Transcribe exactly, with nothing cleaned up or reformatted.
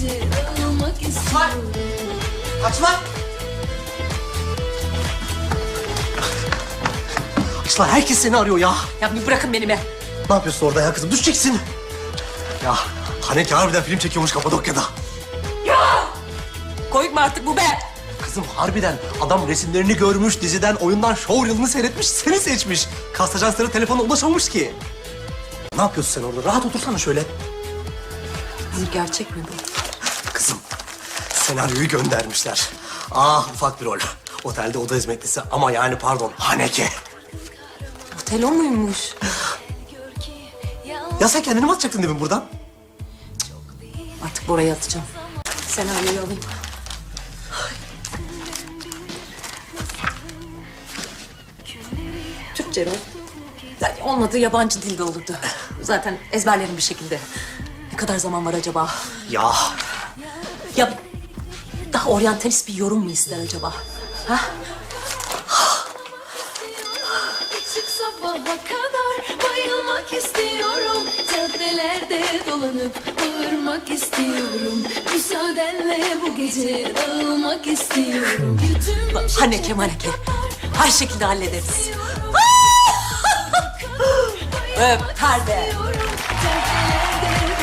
gece dağılmak istiyorum. Kaçma! Açlar, herkes seni arıyor ya. Ya bir bırakın beni be. Ne yapıyorsun orada ya kızım? Düşeceksin. Ya Haneke harbiden film çekiyormuş Kapadokya'da. Komik mi artık bu be? Kızım harbiden adam resimlerini görmüş, diziden, oyundan, showreel'ını seyretmiş, seni seçmiş. Kast ajansları telefona ulaşamamış ki. Ne yapıyorsun sen orada? Rahat otursana şöyle. Bu gerçek mi bu? Kızım, senaryoyu göndermişler. Ah, ufak bir rol. Otelde oda hizmetlisi ama yani pardon, Haneke. Otel o muymuş? Ya sen kendini mi atacaktın demin buradan? Artık Bora'ya atacağım. Senaryoyu alayım. Türkçe rol. Yani olmadı yabancı dilde olurdu. Zaten ezberlerim bir şekilde. Ne kadar zaman var acaba? Ya Ya daha oryantalist bir yorum mu ister acaba? Ha? Çık sabaha kadar bayılmak istiyorum. Caddelerde dolanıp bağırmak istiyorum. Müsaadenle bu gece dağılmak istiyorum. Bütün Haneke maneke. Her şekilde hallederiz. Öp perde. Caddelerde